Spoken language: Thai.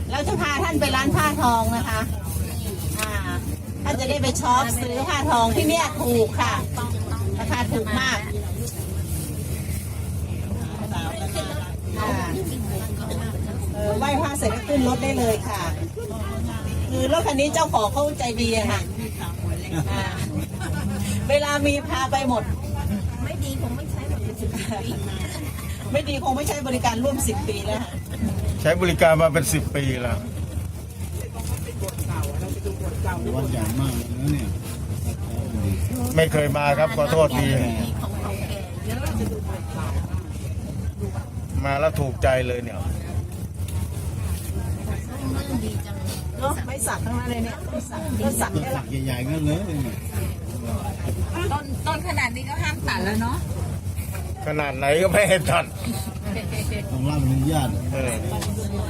เราจะพาท่านไปร้านผ้าทองนะคะท่านจะได้ไปช็อปซื้อผ้าทองที่เนี่ยถูกค่ะราคาถูกมากไหว้พระเสร็จก็ขึ้นรถได้เลยค่ะคือรถคันนี้เจ้าของเขาใจดีอะค่ะเวลามีพาไปหมดไม่ดีคงไม่ใช้ไม่ดีคงไม่ใช้บริการร่วม10 ปีแล้วใช้บริการมาเป็น10 ปีแล้ววัดใหญ่มากนะเนี่ยไม่เคยมาครับขอโทษทีมาแล้วถูกใจเลยเนี่ยเนาะไม่สักทั้งนั้นเลยเนี่ยก็สักแค่หลักใหญ่ๆก็เลยต้นขนาดนี้ก็ห้ามตัดแล้วเนาะขนาดไหนก็ไม่ให้ตัดต้องรับอนุญาต